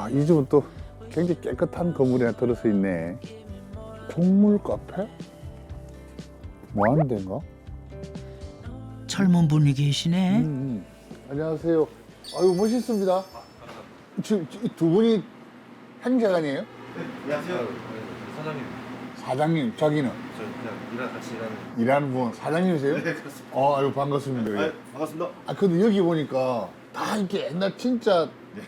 이 집은 또 굉장히 깨끗한 건물이 하나 들어서 있네. 국물 카페? 뭐 하는 데인가? 젊은 분이 계시네. 안녕하세요. 아유, 멋있습니다. 지금 이 두 분이 행자관이에요? 안녕하세요. 사장님. 사장님, 자기는? 저 그냥 같이 일하는. 일하는 분, 사장님이세요? 네, 그렇습니다. 아유, 반갑습니다. 아, 반갑습니다. 아, 근데 여기 보니까 다 이렇게 옛날 진짜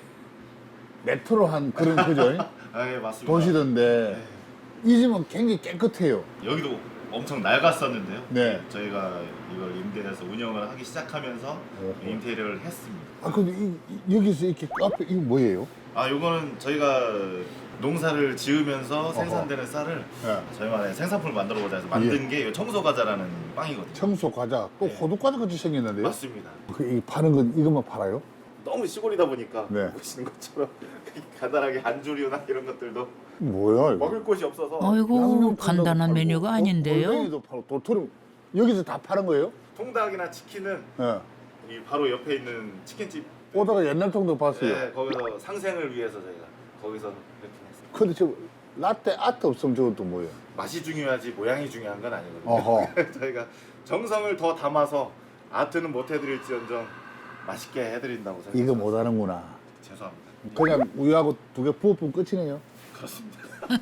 레트로한 그런 그죠? 아, 예, 맞습니다. 도시던데 이 집은 굉장히 깨끗해요. 여기도 엄청 낡았었는데요. 네. 저희가 이걸 임대해서 운영을 하기 시작하면서 어허. 인테리어를 했습니다. 아, 근데 여기서 이렇게 카페 이거 뭐예요? 아, 요거는 저희가 농사를 지으면서 생산되는 쌀을 네. 저희만의 생산품을 만들어보자 해서 만든 게 이 청소 과자라는 빵이거든요. 청소 과자, 또 네. 호두 과자 같이 생겼는데요? 맞습니다. 이 파는 건 이것만 팔아요? 너무 시골이다 보니까 네. 보시는 것처럼 간단하게 안주류나 이런 것들도 뭐야 이거? 먹을 곳이 없어서 아이고 양념 간단한 팔고, 메뉴가 아닌데요. 골뱅이도 팔고 도토리 여기서 다 파는 거예요? 통닭이나 치킨은 예. 이 바로 옆에 있는 치킨집 오다가 옛날 통도 봤어요. 네, 거기서 상생을 위해서 저희가 거기서 이렇게 했어요. 근데 저 라떼 아트 없으면 저것도 뭐예요? 맛이 중요하지 모양이 중요한 건 아니거든요. 어허. 저희가 정성을 더 담아서 아트는 못 해드릴지언정 맛있게 해드린다고 생각해요. 이거 못하는구나. 죄송합니다. 그냥 우유하고 두 개 부어보면 끝이네요. 그렇습니다.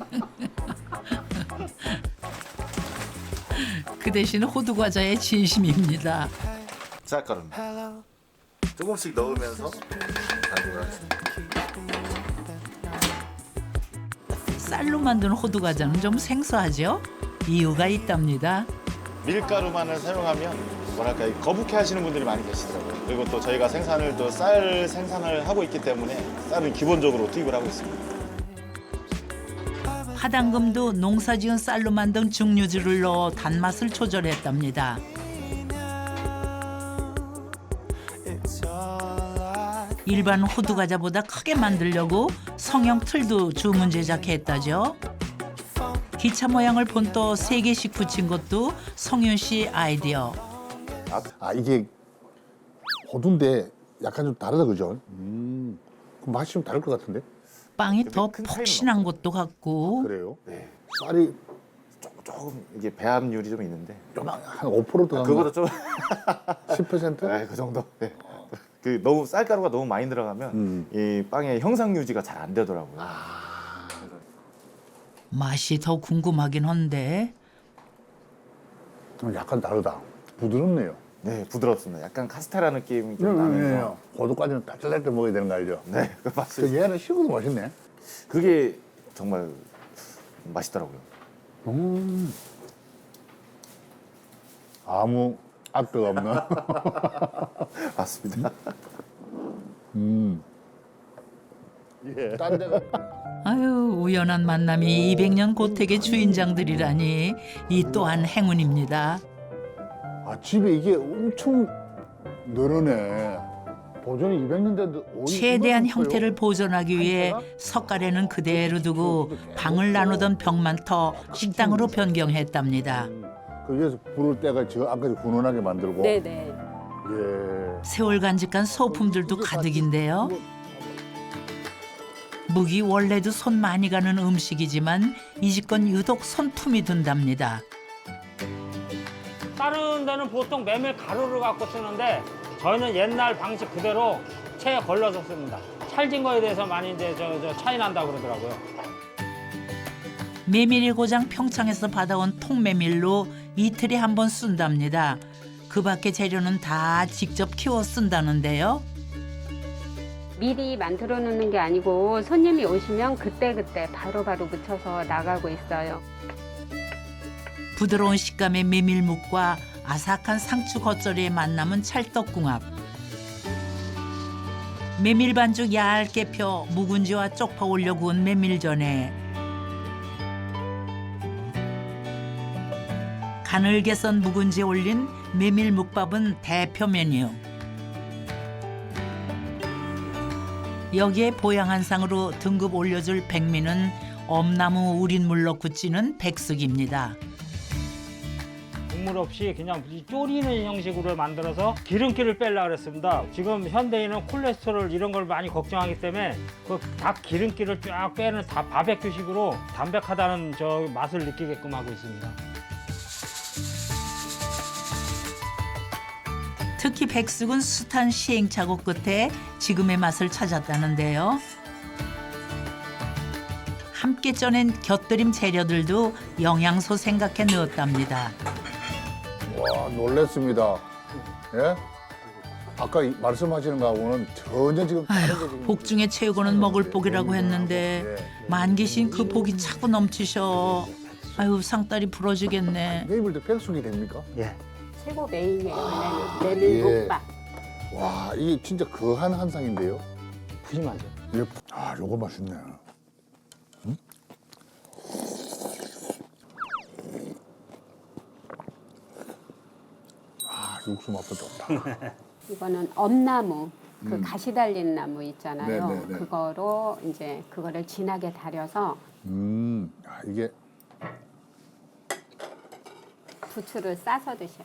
그 대신 호두 과자의 진심입니다. 쌀가루입니다. 조금씩 넣으면서 반죽을 하겠습니다. 쌀로 만든 호두 과자는 좀 생소하죠? 이유가 있답니다. 밀가루만을 사용하면 뭐랄까 거북해 하시는 분들이 많이 계시더라고요. 그리고 또 저희가 생산을 또 쌀 생산을 하고 있기 때문에 쌀은 기본적으로 투입을 하고 있습니다. 화당금도 농사지은 쌀로 만든 증류주를 넣어 단맛을 조절했답니다. 일반 호두 과자보다 크게 만들려고 성형 틀도 주문 제작했다죠. 기차 모양을 본떠 3개씩 붙인 것도 성윤 씨 아이디어. 아, 이게 호두인데 약간 좀 다르다 그죠? 그럼 맛이 좀 다를 것 같은데? 빵이 더 큰 차이는 폭신한 것도 같고 그래요? 네. 쌀이 조금 이게 배합률이 좀 있는데 요만 한5% 들어간 그거보다 좀 10%? 네, 그 정도. 네. 그 너무 쌀가루가 너무 많이 들어가면 이 빵의 형상 유지가 잘 안 되더라고요. 맛이 더 궁금하긴 한데 약간 다르다. 부드럽네요. 네, 부드럽습니다. 약간 카스테라 느낌이 좀 나면서. 호두까지는 따뜻할 때 먹어야 되는 거 알죠? 네, 그 맞습니다. 그 얘는 식어도 맛있네. 그게 정말 맛있더라고요. 아무 악도가 없는. 맞습니다. 예. 딴 데가 아유 우연한 만남이 200년 고택의 주인장들이라니 이 또한 행운입니다. 아, 집에 이게 엄청 늘어네. 보존이 200년 돼도 최대한 형태를 보존하기 위해 석가래는 그대로 두고 방을 나누던 벽만 터 식당으로 변경했답니다. 그 위에서 부를 때가 저 안까지 훈훈하게 만들고. 네네. 예. 세월 간직한 소품들도 가득인데요. 묵이 원래도 손 많이 가는 음식이지만 이 집 건 유독 손품이 든답니다. 다른 데는 보통 메밀 가루를 갖고 쓰는데 저희는 옛날 방식 그대로 체에 걸러서 씁니다. 찰진 거에 대해서 많이 이제 저 차이 난다 그러더라고요. 메밀이 고장 평창에서 받아온 통메밀로 이틀에 한 번 쓴답니다. 그 밖의 재료는 다 직접 키워 쓴다는데요. 미리 만들어 놓는 게 아니고 손님이 오시면 그때그때 바로바로 묻혀서 나가고 있어요. 부드러운 식감의 메밀묵과 아삭한 상추 겉절이의 만남은 찰떡궁합. 메밀 반죽 얇게 펴 묵은지와 쪽파 올려 구운 메밀전에 가늘게 썬 묵은지에 올린 메밀묵밥은 대표 메뉴. 여기에 보양한상으로 등급 올려줄 백미는 엄나무 우린물로 굳히는 백숙입니다. 국물 없이 그냥 졸이는 형식으로 만들어서 기름기를 빼려고 그랬습니다. 지금 현대인은 콜레스테롤 이런 걸 많이 걱정하기 때문에 그 닭 기름기를 쫙 빼는 다 바베큐식으로 담백하다는 저 맛을 느끼게끔 하고 있습니다. 특히 백숙은 숱한 시행착오 끝에 지금의 맛을 찾았다는데요. 함께 쪄낸 곁들임 재료들도 영양소 생각해 넣었답니다. 와, 놀랬습니다. 예? 아까 말씀하시는 거하고는 전혀 지금 다른 게 아휴, 지금 복중에 최고는 먹을 복이라고 했는데 예. 만기신 그 복이 차고 넘치셔. 아유, 상다리 부러지겠네. 내일도 백숙이 됩니까? 예. 최고 메인이에요. 예. 원래는 메밀국밥. 와, 이게 진짜 거한 한상인데요. 푸짐하죠. 예. 아, 요거 맛있네. 아, 육수 맛도 좋다. 이거는 엄나무, 그 가시 달린 나무 있잖아요. 네네네. 그거로 이제 그거를 진하게 달여서 아, 이게 부추를 싸서 드셔요.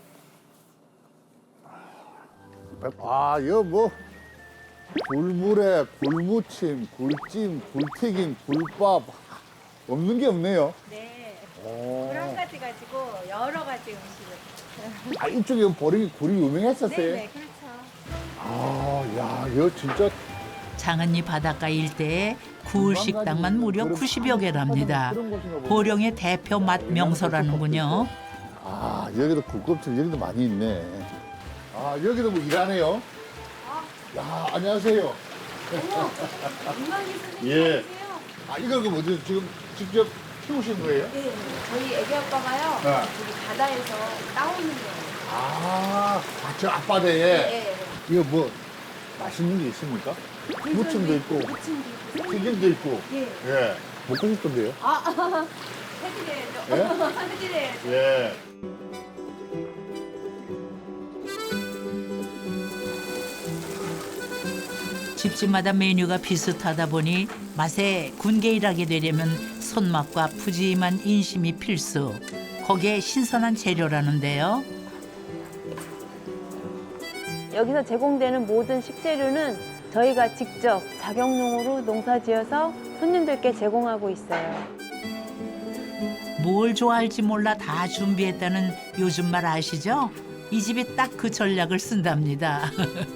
아, 이거 뭐 굴물에 굴무침, 굴찜, 굴튀김, 굴밥 없는 게 없네요. 네, 오. 굴 한 가지 가지고 여러 가지 음식을. 아, 이쪽에 보령이 굴이 유명했었어요. 네, 그렇죠. 아, 야, 이거 진짜 장은리 바닷가 일대에 굴 식당만 무려 90여 개랍니다. 보령의 대표 맛 명소라는군요. 아, 여기도 굴껍질 여기도 많이 있네. 아, 여기도 뭐 일하네요. 야, 안녕하세요. 예. 아, 이걸 그럼 어디 지금 직접 키우신 거예요? 네, 저희 애기 아빠가요. 네. 여기 바다에서 따오는 거예요. 아, 저 앞바다에 네. 이거 뭐 맛있는 게 있습니까? 무침도 있고, 무침도 있고. 튀김도 있고. 예. 예. 먹고 싶던데요? 해드려야죠. 예? 해드려야죠. 예. 집집마다 메뉴가 비슷하다 보니 맛에 군계일하게 되려면 손맛과 푸짐한 인심이 필수. 거기에 신선한 재료라는데요. 여기서 제공되는 모든 식재료는 저희가 직접 자경농으로 농사지어서 손님들께 제공하고 있어요. 뭘 좋아할지 몰라 다 준비했다는 요즘 말 아시죠? 이 집이 딱 그 전략을 쓴답니다.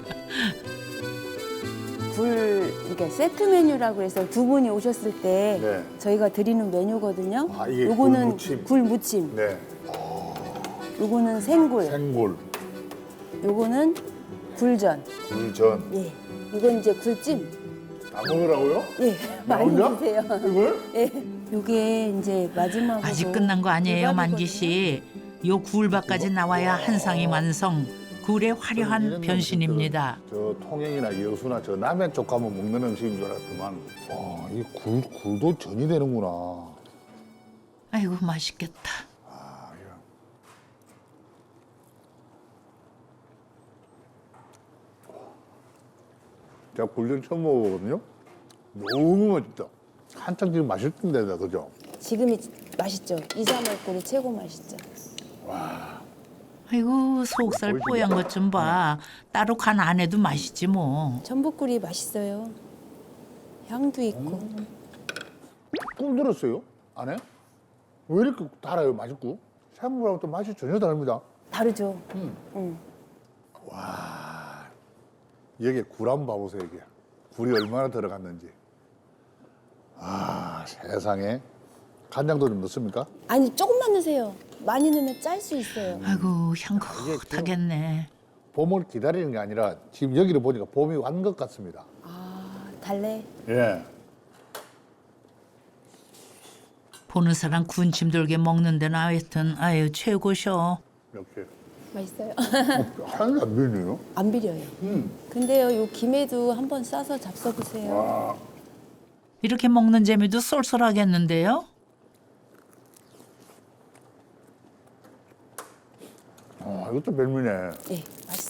굴 이렇게 세트 메뉴라고 해서 두 분이 오셨을 때 네. 저희가 드리는 메뉴거든요. 아, 이게 요거는 굴무침. 굴무침, 네. 요거는 생굴, 생굴, 요거는 굴전. 굴전. 예, 이건 이제 굴찜. 다 먹으라고요? 예, 많이 혼자? 드세요. 이걸? 예, 요게 이제 마지막으로 아직 끝난 거 아니에요, 굴밥이거든요. 만기 씨. 요 굴밥까지 나와야 한상이 완성. 굴의 화려한 변신입니다. 저 통영이나 여수나 저 남해 쪽 가면 먹는 음식인 줄 알았더만. 와, 이 굴도 전이 되는구나. 아이고, 맛있겠다. 아, 야. 제가 굴전 처음 먹어보거든요. 너무 맛있다. 한창 지금 맛있던 데다, 그죠? 지금이 맛있죠. 이사말꿀이 최고 맛있죠. 아이고, 속살 뽀얀 것 좀 봐. 따로 간 안 해도 맛있지 뭐. 전복꿀이 맛있어요. 향도 있고. 꿀 들었어요? 안에? 왜 이렇게 달아요, 맛있고? 생물하고 또 맛이 전혀 다릅니다. 다르죠. 여기에 굴 한번 봐보세요, 이게. 굴이 얼마나 들어갔는지. 아, 세상에. 간장도 좀 넣습니까? 아니 조금만 넣으세요. 많이 넣으면 짤 수 있어요. 아이고, 향긋하겠네. 봄을 기다리는 게 아니라 지금 여기를 보니까 봄이 완 것 같습니다. 아 달래. 예. 보는 사람 군침 돌게 먹는 데는 하여튼 아유 최고셔. 이렇게. 맛있어요. 하나도 안 비리네요. 안 비려요. 근데요, 요 김에도 한번 싸서 잡숴 보세요. 와, 이렇게 먹는 재미도 쏠쏠하겠는데요. 이것도 별미네. 네, 맛있어요.